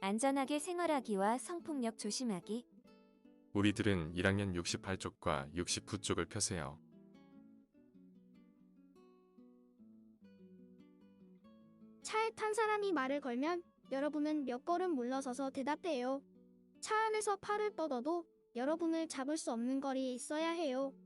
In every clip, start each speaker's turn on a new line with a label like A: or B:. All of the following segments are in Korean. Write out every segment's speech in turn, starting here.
A: 안전하게 생활하기와 성폭력 조심하기.
B: 우리들은 1학년 68쪽과 69쪽을 펴세요.
C: 차에 탄 사람이 말을 걸면 여러분은 몇 걸음 물러서서 대답해요. 차 안에서 팔을 뻗어도 여러분을 잡을 수 없는 거리에 있어야 해요.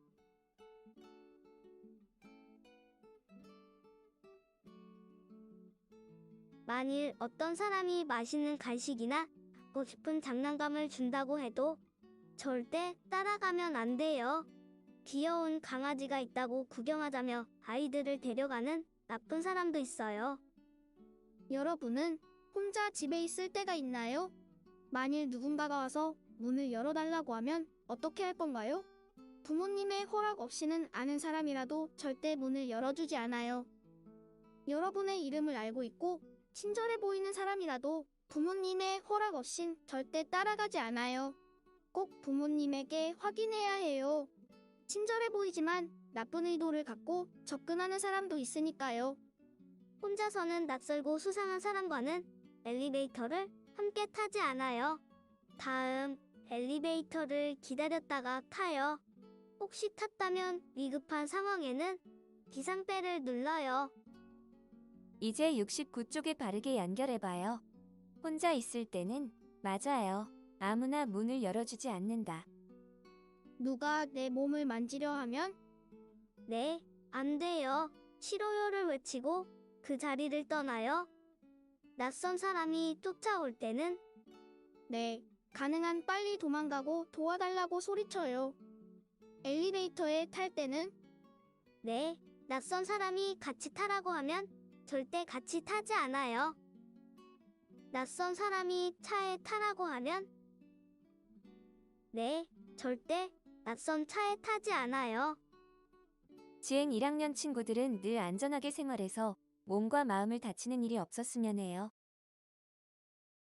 D: 만일 어떤 사람이 맛있는 간식이나 갖고 싶은 장난감을 준다고 해도 절대 따라가면 안 돼요. 귀여운 강아지가 있다고 구경하자며 아이들을 데려가는 나쁜 사람도 있어요.
C: 여러분은 혼자 집에 있을 때가 있나요? 만일 누군가가 와서 문을 열어달라고 하면 어떻게 할 건가요? 부모님의 허락 없이는 아는 사람이라도 절대 문을 열어주지 않아요. 여러분의 이름을 알고 있고 친절해 보이는 사람이라도 부모님의 허락 없인 절대 따라가지 않아요. 꼭 부모님에게 확인해야 해요. 친절해 보이지만 나쁜 의도를 갖고 접근하는 사람도 있으니까요.
D: 혼자서는 낯설고 수상한 사람과는 엘리베이터를 함께 타지 않아요. 다음, 엘리베이터를 기다렸다가 타요. 혹시 탔다면 위급한 상황에는 비상벨을 눌러요.
A: 이제 69쪽에 바르게 연결해봐요. 혼자 있을 때는 맞아요. 아무나 문을 열어주지 않는다.
C: 누가 내 몸을 만지려 하면
D: 네, 안 돼요. 싫어요를 외치고 그 자리를 떠나요. 낯선 사람이 쫓아올 때는
C: 네, 가능한 빨리 도망가고 도와달라고 소리쳐요. 엘리베이터에 탈 때는
D: 네, 낯선 사람이 같이 타라고 하면 절대 같이 타지 않아요. 낯선 사람이 차에 타라고 하면 네, 절대 낯선 차에 타지 않아요.
A: 지행 1학년 친구들은 늘 안전하게 생활해서 몸과 마음을 다치는 일이 없었으면 해요.